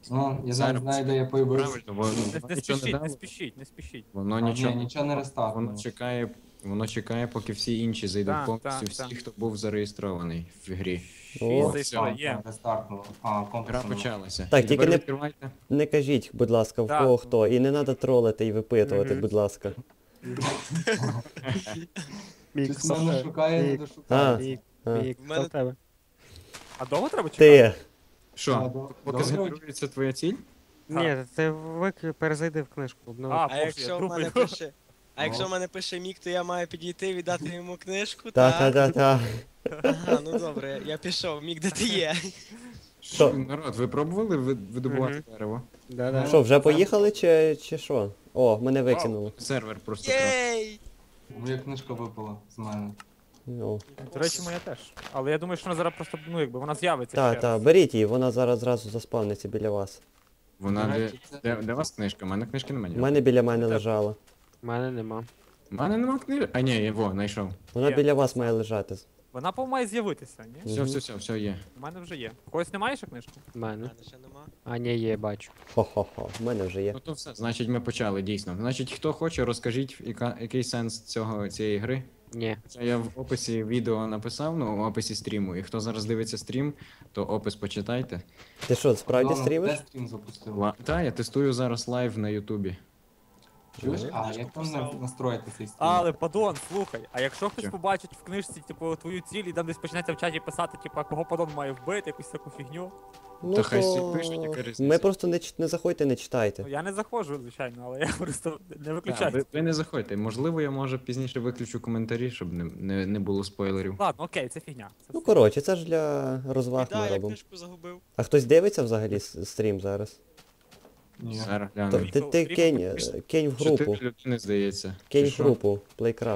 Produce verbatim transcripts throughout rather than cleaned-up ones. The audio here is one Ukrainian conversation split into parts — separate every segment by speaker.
Speaker 1: Ну, я
Speaker 2: Зараз
Speaker 1: навіть знаю, де я появився.
Speaker 2: Правильно, бо
Speaker 3: Не,
Speaker 2: воно
Speaker 3: не
Speaker 2: нічого не
Speaker 3: спішіть, не
Speaker 2: дало.
Speaker 3: спішіть, не спішіть.
Speaker 2: Воно
Speaker 1: А, ні,
Speaker 2: нічого,
Speaker 1: нічого не
Speaker 2: воно
Speaker 1: рестартнуло.
Speaker 2: чекає, воно чекає, поки всі інші зайдуть
Speaker 3: Так,
Speaker 2: повністю,
Speaker 3: так,
Speaker 2: всі,
Speaker 3: так.
Speaker 2: хто був зареєстрований в грі.
Speaker 3: Шість
Speaker 2: О,
Speaker 3: зареєструємо.
Speaker 1: Рестартнуло. А,
Speaker 2: Гра
Speaker 1: компас.
Speaker 2: почалася.
Speaker 4: Так,
Speaker 2: І
Speaker 4: тільки
Speaker 2: тепер
Speaker 4: не-
Speaker 2: відкривайте.
Speaker 4: Не кажіть, будь ласка, в
Speaker 3: Так.
Speaker 4: кого хто. І не треба тролити і випитувати,
Speaker 3: Мгм.
Speaker 4: будь ласка.
Speaker 5: Мік,
Speaker 1: Щось мене шукає, не
Speaker 4: А.
Speaker 1: дошукається.
Speaker 4: А.
Speaker 5: Мік,
Speaker 6: В мене-
Speaker 5: в тебе.
Speaker 3: А довго треба чекати?
Speaker 4: Ти.
Speaker 2: Що,
Speaker 1: А, до-
Speaker 2: поки
Speaker 1: добре.
Speaker 2: згенерується твоя ціль?
Speaker 5: Ні, ти вик... перезайди в книжку. обнови.
Speaker 3: А,
Speaker 6: А
Speaker 3: боже,
Speaker 6: якщо
Speaker 3: я
Speaker 6: в мене
Speaker 3: думаю.
Speaker 6: пише. А якщо в мене пише мік, то я маю підійти, віддати йому книжку,
Speaker 4: Та-та-та-та.
Speaker 6: Ага, ну добре, я пішов. Мік, де ти є?
Speaker 4: Що?
Speaker 2: Народ, ви пробували ви- видобувати
Speaker 5: Мгм.
Speaker 2: дерево?
Speaker 5: Да-да.
Speaker 4: Що, вже поїхали чи, чи що? О, мене викинуло.
Speaker 2: Сервер просто крав.
Speaker 6: Єй!
Speaker 1: Моя книжка випала з мене.
Speaker 4: Ну.
Speaker 3: До речі, моя теж. Але я думаю, що вона зараз просто, ну якби, вона з'явиться
Speaker 4: Та,
Speaker 3: ще
Speaker 4: та,
Speaker 3: раз.
Speaker 4: беріть її, вона зараз зразу заспавниться біля вас.
Speaker 2: Вона
Speaker 1: До
Speaker 2: де,
Speaker 1: речі, це-
Speaker 2: де, де у вас книжка? У мене книжки немає.
Speaker 4: У мене біля мене
Speaker 3: Це-
Speaker 4: лежала.
Speaker 5: У мене нема.
Speaker 2: У мене нема книжки. А ні, я во, знайшов.
Speaker 4: Вона
Speaker 3: Є.
Speaker 4: біля вас має лежати.
Speaker 3: Вона по має з'явитися, ні?
Speaker 2: Все,
Speaker 4: Мгм.
Speaker 2: все, все, все є.
Speaker 3: У мене вже є. У когось немає ще книжки?
Speaker 5: У
Speaker 6: У
Speaker 5: мене.
Speaker 6: мене ще нема.
Speaker 5: А, ні, є, бачу.
Speaker 4: Хо-хо-хо, в мене вже є.
Speaker 2: Ну то все, значить ми почали, дійсно. Значить, хто хоче, розкажіть, яка, який сенс цього, цієї гри.
Speaker 5: Ні.
Speaker 2: Це я в описі відео написав, ну, в описі стріму. І хто зараз дивиться стрім, то опис почитайте.
Speaker 4: Ти що, справді
Speaker 1: Ладно,
Speaker 4: стрімиш?
Speaker 1: Де стрім запустив?
Speaker 2: Ла... Та, я тестую зараз лайв на Ютубі.
Speaker 1: Чуєш?
Speaker 4: Ага.
Speaker 1: А,
Speaker 6: Книжку
Speaker 1: як там
Speaker 6: посрав.
Speaker 1: на- настроїти цей стрім?
Speaker 3: Але, падон, слухай, а якщо хтось
Speaker 2: Що?
Speaker 3: побачить в книжці, типу, твою ціль і там десь почнеться в чаті писати, типу, а кого падон має вбити, якусь таку фігню.
Speaker 4: Ну,
Speaker 2: Та хай
Speaker 4: то...
Speaker 2: всі пишуть, яка різниця.
Speaker 4: Ми просто не, ч- не заходьте, не читайте.
Speaker 3: Ну я не заходжу, звичайно, але я просто не
Speaker 2: Та,
Speaker 3: виключаю.
Speaker 2: ви, ви не заходьте. Можливо, я може пізніше виключу коментарі, щоб не, не, не було спойлерів.
Speaker 3: Ладно, окей, це фігня. Це
Speaker 4: Ну
Speaker 3: все.
Speaker 4: коротше, це ж для розваг
Speaker 6: Біда,
Speaker 4: ми
Speaker 6: я
Speaker 4: робимо.
Speaker 6: книжку загубив.
Speaker 4: А хтось дивиться взагалі с- стрім зараз?
Speaker 1: Ні.
Speaker 2: Зараз
Speaker 4: То,
Speaker 2: глянемо.
Speaker 4: ти ти
Speaker 3: Ріко,
Speaker 4: кинь,
Speaker 3: Ріко,
Speaker 4: е, кинь в групу.
Speaker 2: Чотири людини, здається.
Speaker 4: Кинь
Speaker 2: Чи
Speaker 4: в
Speaker 2: що?
Speaker 4: групу, Playcraft.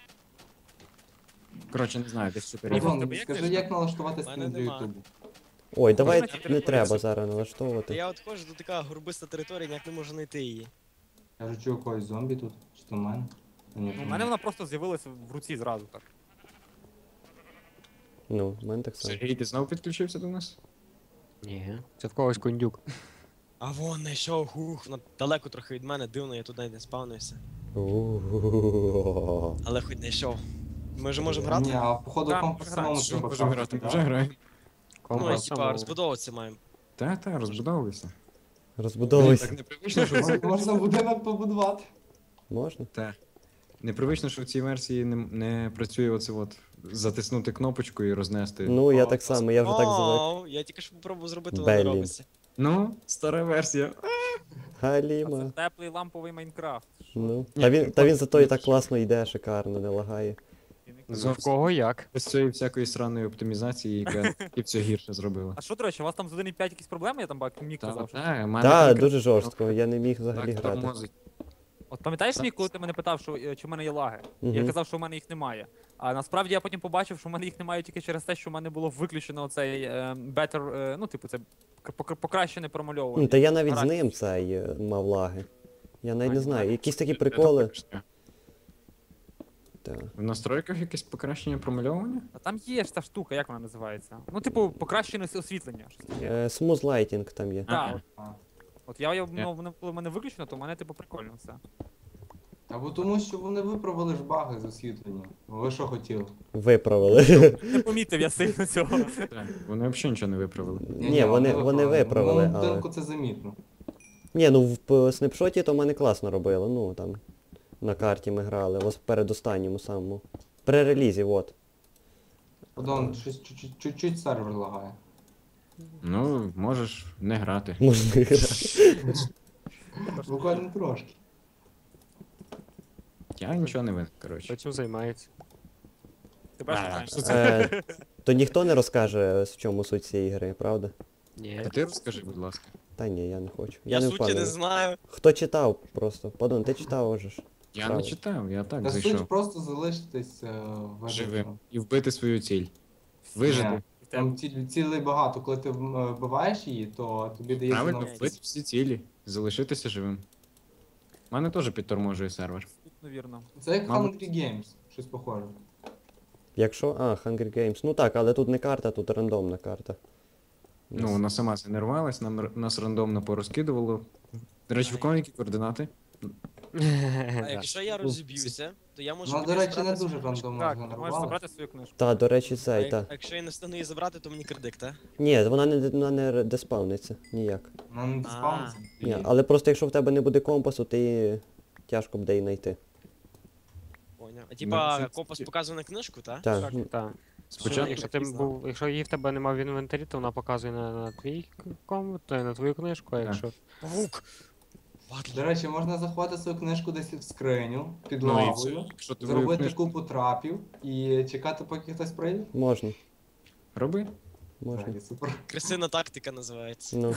Speaker 2: Коротше, не знаю, десь чотири.
Speaker 3: Ріко, в
Speaker 1: Іван,
Speaker 3: тебе є
Speaker 1: скажи,
Speaker 3: книжка?
Speaker 1: як налаштувати
Speaker 6: У мене
Speaker 1: стрім для
Speaker 6: нема.
Speaker 1: Ютубу?
Speaker 4: Ой, давай
Speaker 3: Можна
Speaker 4: не
Speaker 3: чотири
Speaker 4: треба
Speaker 3: хвилини?
Speaker 4: зараз
Speaker 6: Та
Speaker 4: налаштовувати.
Speaker 6: я от ходжу, тут така горбиста територія, ніяк не можу знайти її.
Speaker 1: Я вже чую когось зомбі тут, чи то в мене? Та ні,
Speaker 3: Ну,
Speaker 1: то
Speaker 3: у мене вона просто з'явилася в руці зразу так.
Speaker 4: Ну, в мене так само.
Speaker 2: Сергій, ти знову підключився до нас?
Speaker 5: Ні. Це в когось кондюк.
Speaker 6: А вон знайшов, хух, вона далеко трохи від мене, дивно, я тут навіть не спавнився.
Speaker 4: У-у-у-у-у.
Speaker 6: Але хоч знайшов. Ми вже можемо грати?
Speaker 1: Ні, а походу
Speaker 3: Так,
Speaker 1: компас
Speaker 3: граємо.
Speaker 1: самому
Speaker 2: Що,
Speaker 1: треба
Speaker 2: можемо
Speaker 1: крафтити,
Speaker 2: грати?
Speaker 1: да?
Speaker 2: Вже граємо.
Speaker 6: Ну, і
Speaker 5: Компас
Speaker 6: типа
Speaker 5: самого.
Speaker 6: розбудовуватися маємо.
Speaker 2: Та, та, розбудовуйся. Блін,
Speaker 4: Розбудовуйся.
Speaker 2: так непривично, що
Speaker 1: Мож- Можна будинок побудувати.
Speaker 4: Можна?
Speaker 2: Та. Непривично, що в цій версії не, не працює оце от затиснути кнопочку і рознести.
Speaker 4: Ну, я
Speaker 1: О,
Speaker 4: так само, я вже так звик.
Speaker 6: О, я тільки що попробував зробити, воно не
Speaker 4: Блін.
Speaker 6: робиться.
Speaker 2: Ну, стара версія.
Speaker 3: А це
Speaker 4: Халіма.
Speaker 3: теплий ламповий Майнкрафт. Що?
Speaker 4: Ну. Та він, та він зато і так класно йде, шикарно, не лагає.
Speaker 3: І не
Speaker 5: В
Speaker 2: Зовсім.
Speaker 5: кого як?
Speaker 2: Без цієї всякої сраної оптимізації, яка і все гірше зробила.
Speaker 3: А що, до речі, у вас там з один і п'ять якісь проблеми, я там бачу, Мік
Speaker 2: Та,
Speaker 3: казав. що-
Speaker 2: та, в мене
Speaker 4: Та,
Speaker 2: конкретно
Speaker 4: дуже жорстко, я не міг взагалі
Speaker 2: так
Speaker 4: грати.
Speaker 2: тормозить.
Speaker 3: От пам'ятаєш,
Speaker 2: Це-
Speaker 3: Мік, коли ти мене питав, що, е, чи в мене є лаги? Я
Speaker 4: Мгм.
Speaker 3: казав, що в мене їх немає. А насправді я потім побачив, що в мене їх немає тільки через те, що в мене було виключено цей е, better, е, ну, типу, це к- пок- покращене промальовування.
Speaker 4: Ну, та я навіть з
Speaker 3: Гаразд.
Speaker 4: ним цей е, мав лаги. Я навіть
Speaker 3: А,
Speaker 4: не
Speaker 3: ні,
Speaker 4: знаю,
Speaker 3: лаги.
Speaker 4: якісь такі
Speaker 2: Це
Speaker 4: приколи.
Speaker 2: точно.
Speaker 4: Та.
Speaker 2: В настройках якесь покращення промальовування?
Speaker 3: А там є ж та штука, як вона називається? Ну, типу, покращене ос- освітлення. щось таке.
Speaker 4: Е, Smooth lighting там є.
Speaker 3: Так.
Speaker 1: А.
Speaker 3: От я, я ну, воно- коли в мене виключено, то в мене, типу, прикольно все.
Speaker 1: Або тому, що вони виправили ж баги з освітленням. Ви що хотіли?
Speaker 4: Виправили.
Speaker 3: Не помітив я сильно цього.
Speaker 2: Так, вони взагалі нічого не виправили.
Speaker 4: Ні, вони, вони виправили,
Speaker 1: В
Speaker 4: але...
Speaker 1: будинку це замітно.
Speaker 4: Ні, ну в п- снапшоті то мене класно робили, ну там на карті ми грали, ось передостанньому самому. При релізі, от.
Speaker 1: Подон, щось чуть-чуть- чуть-чуть сервер лагає.
Speaker 2: Ну, можеш не грати.
Speaker 4: Можна.
Speaker 1: Буквально трошки.
Speaker 2: Я нічого не винен, коротше.
Speaker 5: Хто цим займається?
Speaker 3: Тебе ж
Speaker 2: А,
Speaker 3: питання.
Speaker 2: що це?
Speaker 4: Е, то ніхто не розкаже, в чому суть цієї гри, правда?
Speaker 5: Ні.
Speaker 2: А ти розкажи, будь ласка.
Speaker 4: Та ні, я не хочу.
Speaker 6: Я
Speaker 4: Я не
Speaker 6: суті не
Speaker 4: впевнений.
Speaker 6: знаю.
Speaker 4: Хто читав просто? Падон, ти читав уже ж.
Speaker 2: Я
Speaker 4: Правда.
Speaker 2: не читав, я так
Speaker 1: Та
Speaker 2: зайшов.
Speaker 1: суть просто залишитись е, в
Speaker 2: Живим. І вбити свою ціль. Вижити.
Speaker 1: Ні. Там ці- цілей багато, коли ти м, е, вбиваєш її, то тобі дається
Speaker 2: Правильно,
Speaker 1: новий
Speaker 2: вбити всі цілі. Залишитися живим. У мене теж підторможує сервер.
Speaker 3: Ну, вірно.
Speaker 1: Це як
Speaker 2: Мабуть.
Speaker 1: Hungry Games, щось похоже.
Speaker 4: Якщо. А, Hunger Games. Ну так, але тут не карта, тут рандомна карта.
Speaker 2: Ну, вона сама це не рвалась, нам, р- нас рандомно порозкидувало. До речі, в кого які координати?
Speaker 6: А
Speaker 5: Да.
Speaker 6: якщо я розіб'юся, то я можу
Speaker 1: Ну, до
Speaker 6: піти
Speaker 1: речі, не
Speaker 6: забрати
Speaker 1: дуже
Speaker 6: свою книжку.
Speaker 1: рандомно
Speaker 3: Так, ти можеш
Speaker 1: згенерували.
Speaker 3: забрати свою книжку.
Speaker 4: Та, до речі,
Speaker 6: А
Speaker 4: цей,
Speaker 6: як-
Speaker 4: та.
Speaker 6: а якщо я не встану її забрати, то мені кредит, та?
Speaker 4: Ні, вона не, вона не деспавниться, ніяк.
Speaker 1: Вона не диспауниться.
Speaker 4: Ні, але просто якщо в тебе не буде компасу, ти тяжко буде її знайти.
Speaker 6: Поняв. А типа
Speaker 2: це-
Speaker 6: компас показує на книжку, та?
Speaker 4: Так,
Speaker 3: Так.
Speaker 4: ну,
Speaker 5: Так.
Speaker 2: Спочатку
Speaker 5: Якщо ти був, якщо її в тебе немає в інвентарі, то вона показує на, на твій ком, то й на твою книжку, а
Speaker 2: Так.
Speaker 5: якщо.
Speaker 6: Павук! Падло.
Speaker 1: До речі, можна заховати свою книжку десь в скриню, під
Speaker 2: Ну, і
Speaker 1: лавою,
Speaker 2: все. Якщо ти твою
Speaker 1: зробити
Speaker 2: книжку
Speaker 1: купу трапів і чекати, поки хтось прийде.
Speaker 4: можна,
Speaker 2: роби.
Speaker 4: можна.
Speaker 1: Взагалі, супер.
Speaker 6: Крисина тактика називається.
Speaker 4: Ну.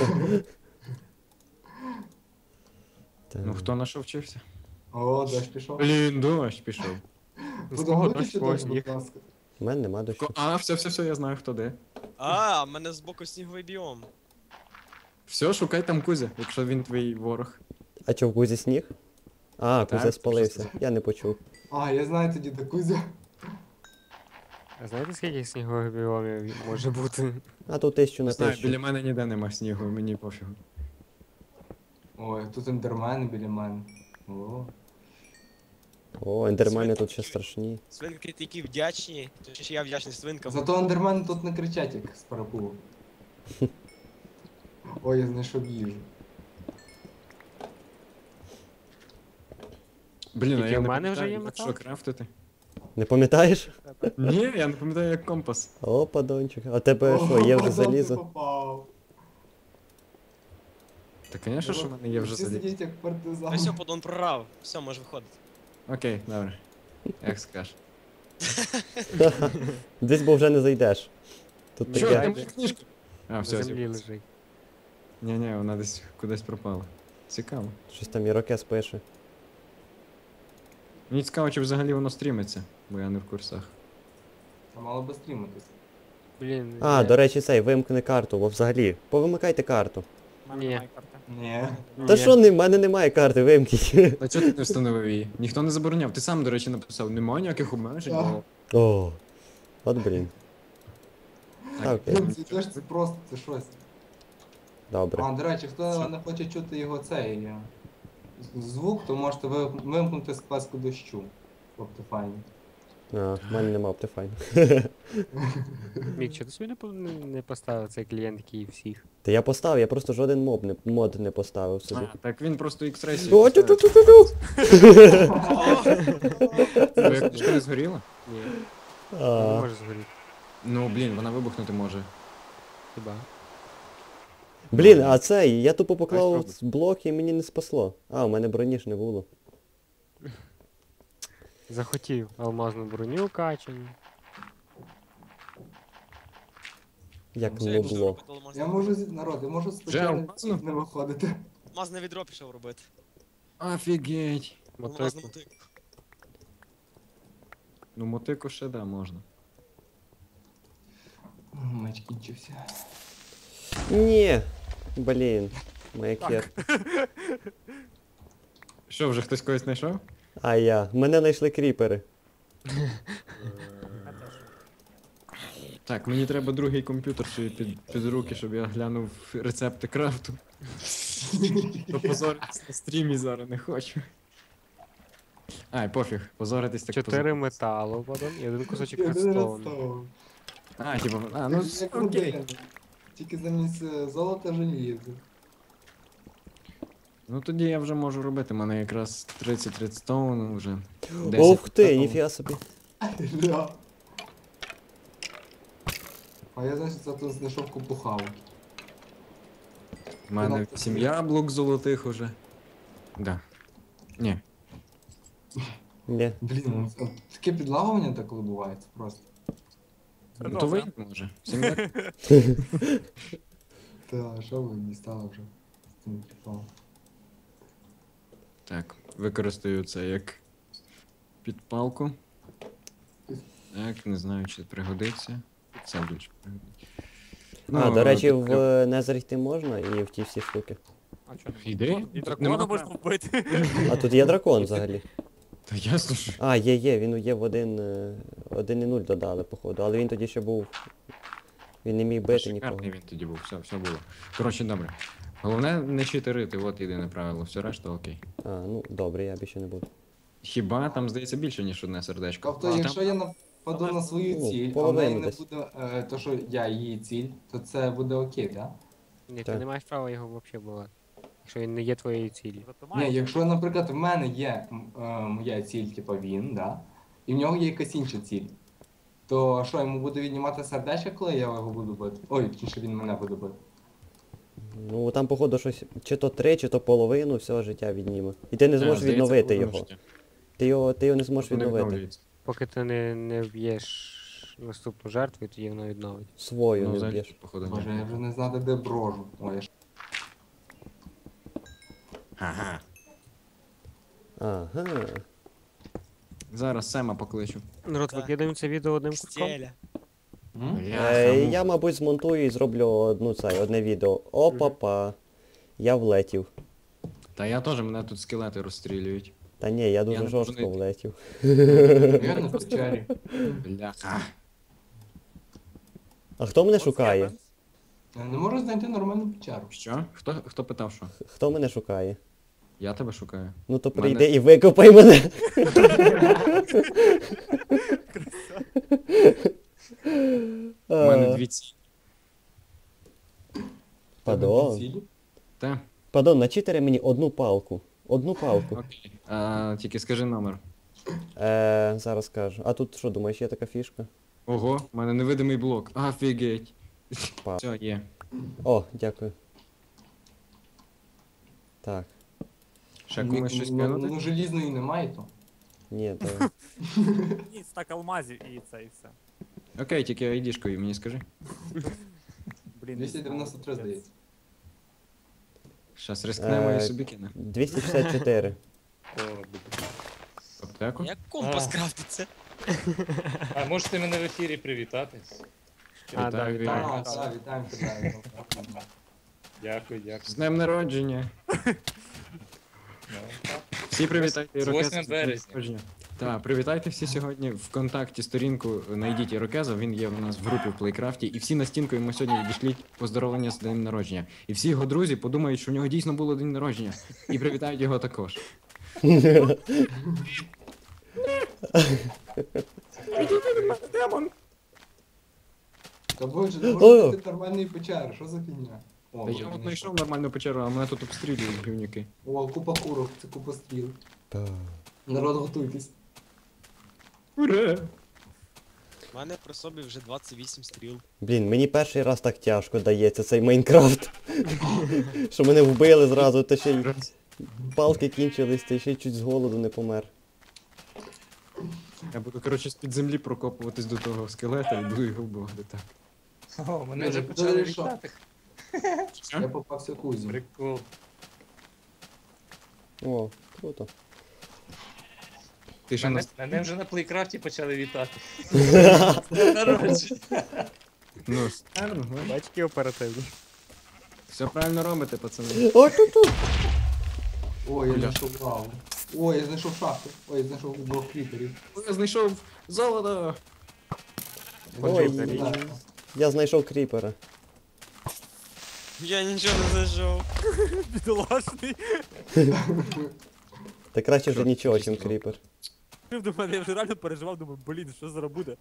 Speaker 4: Та.
Speaker 2: Ну хто на що вчився?
Speaker 1: О, дощ пішов.
Speaker 2: Блін, дощ пішов.
Speaker 1: Будемо
Speaker 5: дощ,
Speaker 1: виключити
Speaker 5: когось
Speaker 1: дощ,
Speaker 5: сніг.
Speaker 1: будь ласка.
Speaker 4: У мене нема дощу.
Speaker 2: Ко- А, все, все, все, я знаю хто де.
Speaker 6: А, в мене збоку сніговий біом.
Speaker 2: Все, шукай там Кузя, якщо він твій ворог.
Speaker 4: А чо, в Кузі сніг? А,
Speaker 2: Так,
Speaker 4: Кузя
Speaker 2: що
Speaker 4: спалився.
Speaker 2: це?
Speaker 4: Я не почув.
Speaker 1: А, я знаю тоді де Кузя.
Speaker 5: А знаєте, скільки снігових біомів може бути?
Speaker 4: А тут тисячу на
Speaker 2: Не знаю,
Speaker 4: тисячу.
Speaker 2: біля мене ніде нема снігу, мені пофігу.
Speaker 1: Ой, тут ендермен біля мене. О.
Speaker 4: О, ендермени тут ще страшні.
Speaker 6: Свинки такі вдячні, то ще я вдячний свинкам.
Speaker 1: Зато ендермени тут не кричать, як з парапулу. Ой, я знайшов їжу.
Speaker 2: Блін, а
Speaker 5: Тільки
Speaker 2: я
Speaker 5: в
Speaker 2: не
Speaker 5: мене вже
Speaker 2: пам'ятаю,
Speaker 5: є
Speaker 2: як
Speaker 5: метал?
Speaker 2: що крафтити.
Speaker 4: Не пам'ятаєш?
Speaker 2: Ні, я не пам'ятаю, як компас.
Speaker 4: О, падончик. А тебе що, є вже
Speaker 1: О,
Speaker 4: залізо?
Speaker 1: ти попав.
Speaker 2: Та, звісно, що в мене є вже
Speaker 1: Всі
Speaker 2: заліз.
Speaker 1: сидять як партизан.
Speaker 6: Та все, подон прорав. Все, може виходити.
Speaker 2: Окей, добре. Як скажеш.
Speaker 4: Десь бо вже не зайдеш. Тут
Speaker 2: Що,
Speaker 5: Я
Speaker 2: ти
Speaker 4: таке.
Speaker 5: йду.
Speaker 2: моя книжка? А,
Speaker 5: На
Speaker 2: все,
Speaker 5: землі
Speaker 2: все.
Speaker 5: лежить.
Speaker 2: Ні, ні, вона десь кудись пропала. Цікаво.
Speaker 4: Щось там Ірокез пише.
Speaker 2: Мені цікаво, чи взагалі воно стрімиться, бо я не в курсах.
Speaker 1: Та мало би стрімитися.
Speaker 5: Блін.
Speaker 4: А,
Speaker 5: я-
Speaker 4: до речі, цей, вимкни карту, бо взагалі. Повимикайте карту.
Speaker 3: У мене
Speaker 5: Ні.
Speaker 3: немає карти.
Speaker 1: Ні.
Speaker 4: Та
Speaker 5: Ні.
Speaker 4: що, не, в мене немає карти, вимкніть.
Speaker 2: А чого ти не встановив її? Ніхто не забороняв. Ти сам, до речі, написав, немає ніяких обмежень.
Speaker 1: Так.
Speaker 2: бо-
Speaker 4: О, от блін.
Speaker 2: Так,
Speaker 4: окей.
Speaker 1: Ну, це ж це просто, це щось.
Speaker 4: Добре.
Speaker 1: А, до речі, хто не хоче чути його цей е, звук, то можете ви- вимкнути склеску дощу. Optifine.
Speaker 4: А, в мене нема Optifine.
Speaker 5: Мік, чи ти собі не, по- не не поставив цей клієнт, який всіх?
Speaker 4: Та я поставив, я просто жоден моб не, мод не поставив собі.
Speaker 2: А, так він просто X-Ray
Speaker 4: О,
Speaker 2: собі поставив.
Speaker 4: тю-тю-тю-тю-тю!
Speaker 2: Твоя книжка не згоріла?
Speaker 5: Ні, не
Speaker 4: А,
Speaker 5: може згоріти.
Speaker 2: Ну, блін, вона вибухнути може.
Speaker 5: Хіба?
Speaker 4: Блін, а цей, я тупо
Speaker 2: Ось
Speaker 4: поклав
Speaker 2: пробуй.
Speaker 4: блок і мені не спасло. А, у мене броні ж не було.
Speaker 5: Захотів алмазну броню качану.
Speaker 4: Як
Speaker 6: Все,
Speaker 4: не
Speaker 6: я пішов
Speaker 4: було.
Speaker 6: робити алмазне.
Speaker 1: Я можу, зі- народ, я можу
Speaker 2: Вже
Speaker 1: спочатку
Speaker 2: алмазну?
Speaker 1: не виходити.
Speaker 6: Алмазне відро пішов робити.
Speaker 2: Офігеть.
Speaker 6: Алмазну
Speaker 5: Мотику.
Speaker 6: мотику.
Speaker 2: Ну, мотику ще да, можна.
Speaker 1: Меч кінчився.
Speaker 4: Ні. Блін. Маякер.
Speaker 2: Що, вже хтось когось знайшов?
Speaker 4: А я. Мене знайшли кріпери.
Speaker 2: Так, мені треба другий комп'ютер собі під, під руки, щоб я глянув рецепти крафту. То позоритись на стрімі зараз не хочу. Ай, пофіг, позоритись так
Speaker 5: Чотири
Speaker 2: позоритись.
Speaker 5: металу потім і один кусочок
Speaker 1: Один
Speaker 5: редстоуну.
Speaker 1: редстоун.
Speaker 2: А, типа, а, ну
Speaker 1: Як
Speaker 2: окей.
Speaker 1: годин. Тільки замість е, золота желізо.
Speaker 2: Ну тоді я вже можу робити, у мене якраз тридцять редстоуну вже. десять
Speaker 4: Ух ти,
Speaker 2: металу.
Speaker 4: ніфіга собі.
Speaker 1: Ля. А я, значить, зато знайшов купу хавки.
Speaker 2: У мене сім яблук золотих уже. Да. Ні.
Speaker 4: Ні.
Speaker 1: Блін, ну, це- таке підлагування так відбувається просто.
Speaker 2: Ну то вийде може. Сім яблук.
Speaker 1: Та, що ви дістали вже з цим приколом?
Speaker 2: Так, використаю це як підпалку. Так, не знаю, чи пригодиться. Це більше пригодиться.
Speaker 4: А, до речі,
Speaker 2: тут
Speaker 4: в
Speaker 2: треба-
Speaker 4: Незер йти можна і в ті всі штуки.
Speaker 3: А чого не
Speaker 2: Іди.
Speaker 3: можна? І
Speaker 2: Тут
Speaker 3: дракона
Speaker 2: нема
Speaker 3: можна
Speaker 2: права.
Speaker 3: вбити.
Speaker 4: А тут є дракон взагалі.
Speaker 2: Та ясно, що.
Speaker 4: А, є, є, він є в один, е, один і нуль додали, походу, але він тоді ще був Він не міг
Speaker 2: Та
Speaker 4: бити нікого.
Speaker 2: шикарний він тоді був, все, все було. Коротше, добре. Головне не читерити, от єдине правило, все решта окей.
Speaker 4: А, ну добре, я більше не буду.
Speaker 2: Хіба там здається більше, ніж одне сердечко.
Speaker 1: Тобто,
Speaker 2: А,
Speaker 1: якщо
Speaker 2: там-
Speaker 1: я нападу на свою
Speaker 4: Ну,
Speaker 1: ціль, а в
Speaker 4: половину
Speaker 1: неї не
Speaker 4: десь.
Speaker 1: буде е, то, що я її ціль, то це буде окей, так?
Speaker 5: Ні, ти
Speaker 4: Так.
Speaker 5: не маєш права його взагалі бувати. Якщо він не є твоєю цілі.
Speaker 1: Ні, якщо, наприклад, в мене є м, е, моя ціль, типу він, да? І в нього є якась інша ціль. То що, йому буде віднімати сердечко, коли я його буду бити? Ой, точніше він мене буде бити.
Speaker 4: Ну там, походу, щось чи то три, чи то половину всього життя відніме. І ти не
Speaker 2: Е,
Speaker 4: зможеш
Speaker 2: здається,
Speaker 4: відновити
Speaker 2: половину
Speaker 4: його.
Speaker 2: життя.
Speaker 4: Ти його, ти його не зможеш
Speaker 2: Тобто не
Speaker 4: відновити.
Speaker 2: відновлюється.
Speaker 5: Поки ти не, не вб'єш наступну жертву, і тоді воно відновить.
Speaker 4: Свою
Speaker 2: Ну,
Speaker 4: не
Speaker 2: взагалі,
Speaker 4: вб'єш.
Speaker 2: походу, ні.
Speaker 1: Боже, я вже не знати, де брожу. Ой, я ж...
Speaker 2: Ага.
Speaker 4: Ага.
Speaker 2: Зараз Сема покличу.
Speaker 5: Народ,
Speaker 6: Так.
Speaker 5: викидаємо це відео одним куском.
Speaker 6: Стеля.
Speaker 1: М?
Speaker 4: Е, я, мабуть, змонтую і зроблю одну цей, одне відео. Опа-па. Я влетів.
Speaker 2: Та я теж, мене тут скелети розстрілюють.
Speaker 4: Та ні, я дуже
Speaker 2: не
Speaker 4: жорстко
Speaker 2: можу
Speaker 4: влетів.
Speaker 1: Я на печері.
Speaker 2: Бляха.
Speaker 4: А хто мене шукає?
Speaker 1: Я не можу знайти нормальну печеру.
Speaker 2: Що? Хто, хто питав, що?
Speaker 4: Хто мене шукає?
Speaker 2: Я тебе шукаю.
Speaker 4: Ну то
Speaker 2: Мене-
Speaker 4: прийди і викопай мене.
Speaker 2: У мене
Speaker 4: А,
Speaker 2: дві ці.
Speaker 4: Падон.
Speaker 1: Цілі?
Speaker 2: Та,
Speaker 4: Падон, начитери мені одну палку. Одну палку.
Speaker 2: окей. А, тільки скажи номер.
Speaker 4: Е, зараз скажу. А тут що, думаєш, є така фішка?
Speaker 2: Ого, у мене невидимий блок. Офігеть.
Speaker 4: Па.
Speaker 2: Все, є.
Speaker 4: О, дякую. Так.
Speaker 2: Ще комусь щось
Speaker 1: Ну,
Speaker 2: кинути?
Speaker 1: ну, желізної немає то.
Speaker 4: Ні, то.
Speaker 3: Ні, стак алмазів і це, і все.
Speaker 2: Окей, тільки айдішкою мені скажи.
Speaker 3: Блін,
Speaker 1: двісті дев'яносто три, здається.
Speaker 2: Щас рискнемо
Speaker 4: Е,
Speaker 2: і собі кине.
Speaker 4: двісті шістдесят чотири.
Speaker 2: Аптеку?
Speaker 6: Як компас крафтиться?
Speaker 7: А можете мене в ефірі привітатись?
Speaker 5: А, да,
Speaker 2: Вітаю,
Speaker 5: вітаю.
Speaker 2: вітаю.
Speaker 1: Так, так, вітаємо тебе.
Speaker 7: Дякую,
Speaker 2: З
Speaker 7: дякую.
Speaker 2: днем народження.
Speaker 7: Ну, так.
Speaker 2: Всі привітайте
Speaker 7: З
Speaker 2: Ірокеза.
Speaker 7: восьмим березня.
Speaker 2: Так, привітайте всі сьогодні ВКонтакті сторінку, знайдіть Ірокеза, він є у нас в групі в Плейкрафті, і всі на стінку йому сьогодні відійшліть поздоровлення з днем народження. І всі його друзі подумають, що в нього дійсно було день народження, і привітають його також. Демон!
Speaker 1: Та боже, не
Speaker 4: О!
Speaker 1: можу знайти нормальної печери, що за фігня? О,
Speaker 2: Та я
Speaker 1: вроді
Speaker 2: от знайшов нормальну печеру, а мене тут обстрілюють гівнюки.
Speaker 1: О, купа курок, це купа стріл.
Speaker 4: Та.
Speaker 1: Народ, готуйтесь.
Speaker 2: Ура!
Speaker 6: У мене при собі вже двадцять вісім стріл.
Speaker 4: Блін, мені перший раз так тяжко дається цей Майнкрафт. Що мене вбили зразу, та ще й палки кінчились, та ще й чуть з голоду не помер.
Speaker 2: Я буду, коротше, з-під землі прокопуватись до того скелета і буду його вбивати так.
Speaker 7: О, мене
Speaker 1: Ми
Speaker 7: вже
Speaker 1: вже
Speaker 7: почали
Speaker 1: подали, що?
Speaker 7: вітати.
Speaker 1: Я попався кузю.
Speaker 7: Прикол.
Speaker 4: О, круто.
Speaker 2: Ти ще
Speaker 7: Мене,
Speaker 2: нас...
Speaker 7: мене вже на плейкрафті почали вітати. З днем народження.
Speaker 2: Ну, старно,
Speaker 5: Батьки оперативні.
Speaker 2: все правильно робите, пацани.
Speaker 4: О, тут-тут.
Speaker 1: Ой, я
Speaker 2: Бля.
Speaker 1: знайшов лаву. Ой, я знайшов шахту. Ой, я знайшов двох кріперів.
Speaker 2: Я знайшов золото!
Speaker 4: Ой,
Speaker 1: Так.
Speaker 4: я знайшов кріпера.
Speaker 6: Я нічого не зайшов.
Speaker 3: Бідолашний.
Speaker 4: Та краще вже нічого, чим кріпер.
Speaker 3: До мене я вже реально переживав, думаю, блін, що зараз буде?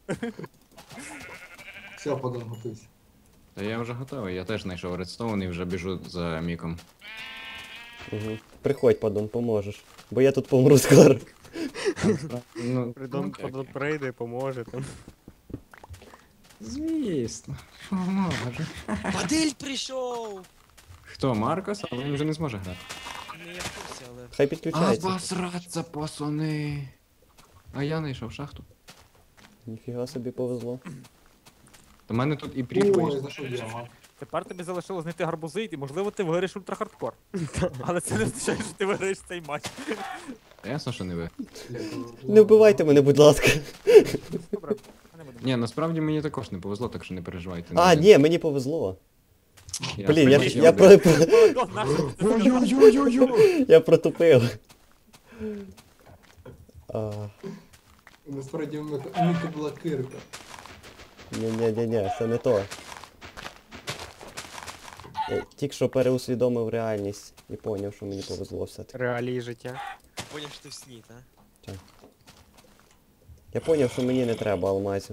Speaker 1: Все, подон, готуйся.
Speaker 2: Та я вже готовий, я теж знайшов редстоун і вже біжу за міком.
Speaker 4: Угу. Приходь, падон, поможеш. Бо я тут помру скоро.
Speaker 2: Ну,
Speaker 5: Придом
Speaker 2: окей, окей.
Speaker 5: прийде, поможе там.
Speaker 2: Звісно, що може.
Speaker 6: Падиль прийшов!
Speaker 2: Хто, Маркос? Але він вже не зможе грати.
Speaker 6: Не я в курсі, але...
Speaker 4: Хай підключається.
Speaker 2: Обосраться, пацани. А я знайшов шахту.
Speaker 4: Ніфіга собі повезло.
Speaker 2: Та в мене тут і
Speaker 1: Ой,
Speaker 2: пріп
Speaker 1: я
Speaker 2: вийшов.
Speaker 1: знайшов діамант.
Speaker 3: Тепер тобі залишилось знайти гарбузи, і можливо ти виграєш ультрахардкор. Але це не означає, що ти виграєш цей матч.
Speaker 2: Та ясно, що не ви.
Speaker 4: Не вбивайте мене, будь ласка.
Speaker 3: Добре, ми не будемо.
Speaker 2: Ні, насправді мені також не повезло, так що не переживайте.
Speaker 4: А, ні, мені повезло.
Speaker 2: Я
Speaker 4: Блін, я,
Speaker 2: сподіваюся,
Speaker 4: я,
Speaker 2: ви-
Speaker 4: про,
Speaker 3: О, нащо ти це сказав?
Speaker 2: Ой-ой-ой-ой-ой!
Speaker 4: я протупив. А,
Speaker 1: Насправді в Міка Міка була кирка.
Speaker 4: ні-ні-ні, це не то. Я тільки що переусвідомив реальність і поняв, що мені повезло все-таки.
Speaker 5: Реалії життя.
Speaker 6: Поняв, що ти в сні, та?
Speaker 4: Я поняв, що мені не треба алмазів.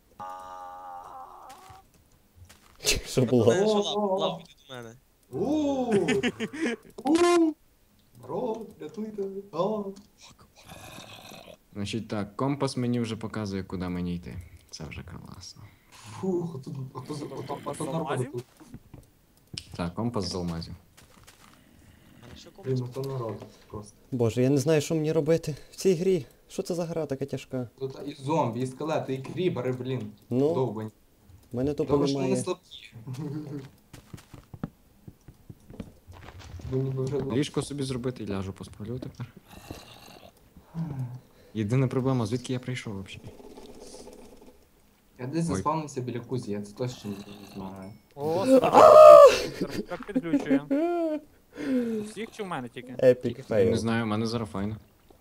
Speaker 4: Що було?
Speaker 6: Мене що
Speaker 1: О,
Speaker 6: лав,
Speaker 1: о, о.
Speaker 6: лав іди до мене.
Speaker 1: Ууу! Ууу! Народ, рятуйте! О!
Speaker 2: Значить так, компас мені вже показує, куди мені йти. Це вже класно.
Speaker 1: Фух, а тут, а то, а то, а то народ
Speaker 3: Алмазів?
Speaker 1: тут.
Speaker 2: Так, компас з алмазів.
Speaker 6: А на що
Speaker 1: Блін,
Speaker 6: комусь?
Speaker 1: ну то народ просто.
Speaker 4: Боже, я не знаю, що мені робити в цій грі. Що це за гра така тяжка?
Speaker 1: Тут і зомбі, і скелети, і крібери, блін.
Speaker 4: Ну,
Speaker 1: Довбані.
Speaker 4: в мене тупо
Speaker 1: Добре, що вони
Speaker 4: немає.
Speaker 1: слабкі. Бо ніби вже було.
Speaker 2: Ліжко собі зробити і ляжу посплю тепер. Єдина проблема, звідки я прийшов взагалі?
Speaker 1: Я десь
Speaker 2: Ой.
Speaker 1: заспавнився біля кузі, я це точно не знаю.
Speaker 3: О, старт так підглючує. У всіх чи в мене тільки?
Speaker 4: Епік
Speaker 2: Я
Speaker 4: фейл.
Speaker 2: не знаю, в мене зараз файно.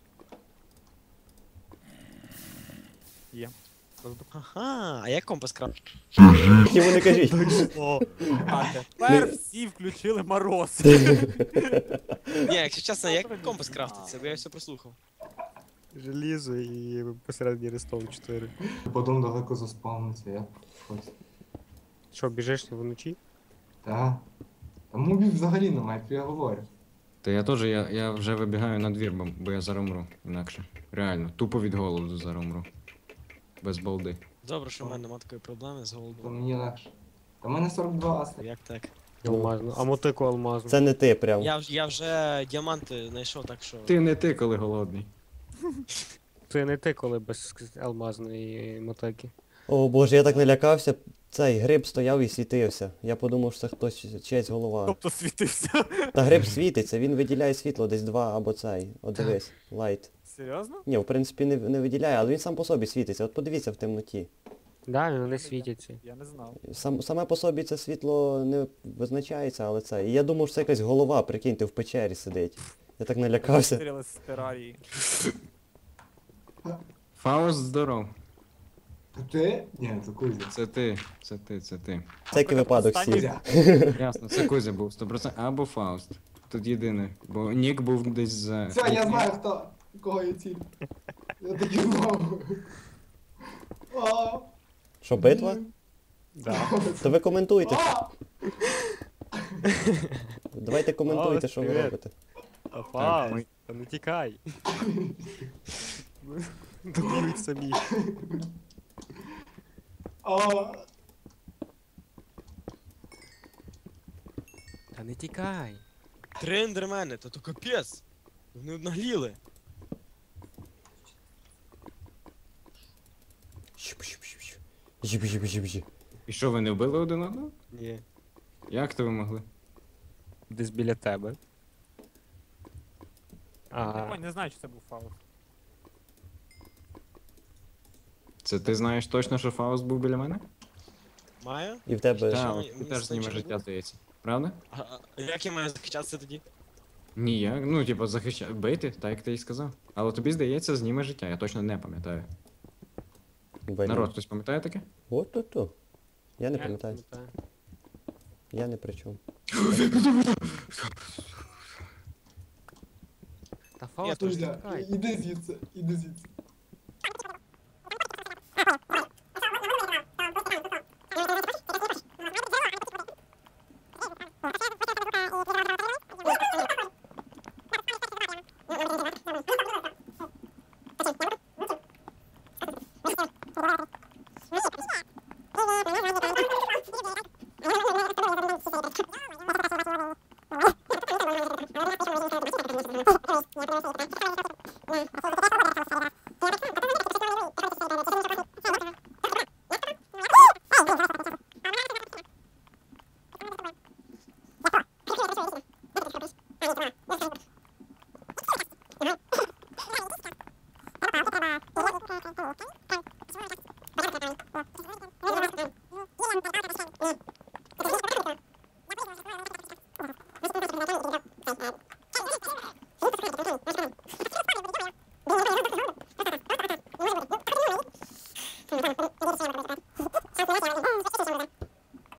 Speaker 3: Є.
Speaker 6: Ага, а як компас крав?
Speaker 4: Йому не кажіть.
Speaker 3: А тепер всі включили мороз.
Speaker 6: Ні, якщо чесно, як компас крафтиться, бо я все прослухав.
Speaker 5: Желізо і посередині рестов чотири.
Speaker 1: Потім далеко заспавнився, я щось.
Speaker 5: Що, біжиш вночі?
Speaker 1: Та. Та мобів взагалі немає, то я говорю.
Speaker 2: Та я теж, я, я вже вибігаю на двір, бо- бо я зараз умру. Інакше. Реально, тупо від голоду зараз умру. Без балди.
Speaker 6: Добре, що в мене немає такої проблеми з
Speaker 1: То
Speaker 6: голодом.
Speaker 1: мені легше. Та в мене сорок два аста.
Speaker 6: Як так?
Speaker 5: Алмазну. А мотику алмазну.
Speaker 4: Це не ти прям.
Speaker 6: Я, вже- я вже діаманти знайшов, так що.
Speaker 2: Ти не ти, коли голодний.
Speaker 5: Це не ти, коли без алмазної мотики.
Speaker 4: О боже, я так налякався. Цей гриб стояв і світився. Я подумав, що це хтось чиясь голова.
Speaker 3: Тобто світився.
Speaker 4: Та гриб світиться, він виділяє світло десь два або цей. От дивись, лайт.
Speaker 3: Серйозно?
Speaker 4: Ні, в принципі не, не виділяє, але він сам по собі світиться. От подивіться в темноті.
Speaker 5: Да, вони світяться.
Speaker 3: Я не знав.
Speaker 4: Сам, саме по собі це світло не визначається, але це. І я думав, що це якась голова, прикиньте, в печері сидить. Я так налякався.
Speaker 3: Стріли з терарії.
Speaker 2: Фауст, здоров.
Speaker 1: Та ти? Ні, це кузя.
Speaker 2: Це ти, це ти, це ти.
Speaker 4: Всякий випадок
Speaker 3: Останній
Speaker 4: всі.
Speaker 1: Кузя.
Speaker 2: Ясно, це Кузя був сто відсотків. Або Фауст. Тут єдине. Бо Нік був десь за.
Speaker 1: Все, я знаю, хто. Кого я ціль. Я таки знав. А,
Speaker 4: Що, битва?
Speaker 1: блін.
Speaker 5: Да.
Speaker 4: То ви коментуйте.
Speaker 1: А!
Speaker 4: Давайте коментуйте,
Speaker 5: О,
Speaker 4: що ви
Speaker 5: привіт.
Speaker 4: робите.
Speaker 5: Афа,
Speaker 2: ми-
Speaker 5: та не тікай. Доб'ють самі.
Speaker 1: А,
Speaker 5: Та не тікай.
Speaker 6: Три ендермени, то то капець. Вони однагліли.
Speaker 4: Щуп-щуп-щуп-щуп. Жіп-жіп-жіп-жіп.
Speaker 2: І що, ви не вбили один одного?
Speaker 5: Ні.
Speaker 2: Як то ви могли?
Speaker 5: Десь біля тебе.
Speaker 3: Я
Speaker 5: А,
Speaker 3: не знаю, чи це був фауст.
Speaker 2: Це ти знаєш точно, що Фауст був біля мене?
Speaker 6: Маю?
Speaker 4: І в тебе.
Speaker 6: Що,
Speaker 2: Так,
Speaker 6: мені-
Speaker 2: ти
Speaker 6: мені
Speaker 2: теж зніме
Speaker 6: значить,
Speaker 2: життя,
Speaker 6: буде?
Speaker 2: здається. Правда?
Speaker 6: А, а як я маю захищатися тоді?
Speaker 2: Ні, ну, типу, захищати, бити, так як ти і сказав. Але тобі здається, зніме життя, я точно не пам'ятаю.
Speaker 4: Блін.
Speaker 2: Народ, хтось пам'ятає таке?
Speaker 4: От то то. Я не
Speaker 5: я
Speaker 4: пам'ятаю.
Speaker 5: пам'ятаю.
Speaker 4: Я не при чому.
Speaker 5: Та Фауст, не
Speaker 1: Кузя,
Speaker 5: тікай.
Speaker 1: іди звідси, іди звідси.
Speaker 8: Thank you.